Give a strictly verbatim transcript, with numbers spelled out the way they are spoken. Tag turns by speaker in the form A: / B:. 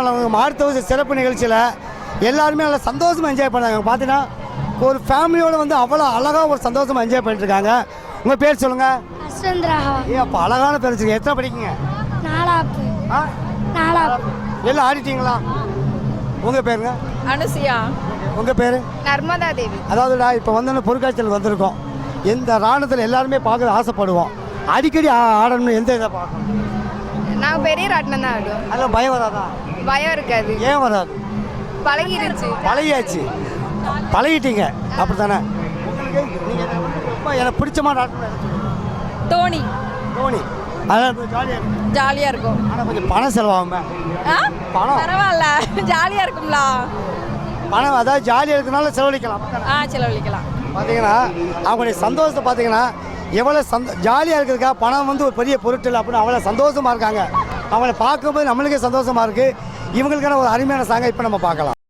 A: நாள் மாடுத்தவச சிறப்பு நிகழ்ச்சியில் எல்லாருமே நல்லா சந்தோஷமாக என்ஜாய் பண்ணாங்க. பார்த்தீங்கன்னா ஒரு ஃபேமிலியோடு வந்து அவ்வளோ அழகாக ஒரு சந்தோஷமாக என்ஜாய் பண்ணிட்டுருக்காங்க. உங்கள் பேர் சொல்லுங்கள். ஏ அப்போ அழகான பேர் வச்சுருக்கீங்க. எத்தனை படிக்கீங்க?
B: நாலாப்பு.
A: ஆ
B: நாலாப்பு.
A: எல்லாம் ஆடிட்டீங்களா? உங்கள் பேருங்க?
C: அனுசியா.
A: உங்கள் பேர்?
C: நர்மதா தேவி.
A: அதாவதுடா இப்போ வந்து பொருட்காட்சியில் வந்திருக்கோம். எந்த ராணுவத்தில் எல்லாருமே பார்க்க ஆசைப்படுவோம். அடிக்கடி ஆடணும்னு எந்த இதை பார்க்கணும்?
C: நாங்கள் பெரிய ராட்டினம் தான் ஆடுவோம்.
A: அதெல்லாம் பயம் வராதா?
C: பயம் இருக்காது.
A: ஏன் வராது?
C: பழகிருச்சு.
A: பழகியாச்சு. பழகிட்டீங்க அப்படி தானே? உங்களுக்கு நீங்கள் ரொம்ப எனக்கு பிடிச்சமான ஆட்டம்
C: தோனி.
A: தோனி. அதான் ஜாலியாக இருக்கும்.
C: ஜாலியாக இருக்கும்.
A: ஆனால் கொஞ்சம் பணம் செலவாகுமே. பணம்
C: பரவாயில்ல, ஜாலியாக இருக்கும்ல.
A: பணம் அதாவது ஜாலியாக இருக்கிறனால செலவழிக்கலாம்.
C: ஆ செலவழிக்கலாம்.
A: பார்த்தீங்கன்னா அவங்களுடைய சந்தோஷத்தை பார்த்தீங்கன்னா எவ்வளோ சந்தோ ஜாலியாக இருக்கிறதுக்கா பணம் வந்து ஒரு பெரிய பொருட்கள் அப்படின்னு அவ்வளோ சந்தோஷமாக இருக்காங்க. அவங்கள பார்க்கும்போது நம்மளுக்கே சந்தோஷமாக இருக்குது. இவங்களுக்கான ஒரு அருமையான சாங்கை இப்போ நம்ம பார்க்கலாம்.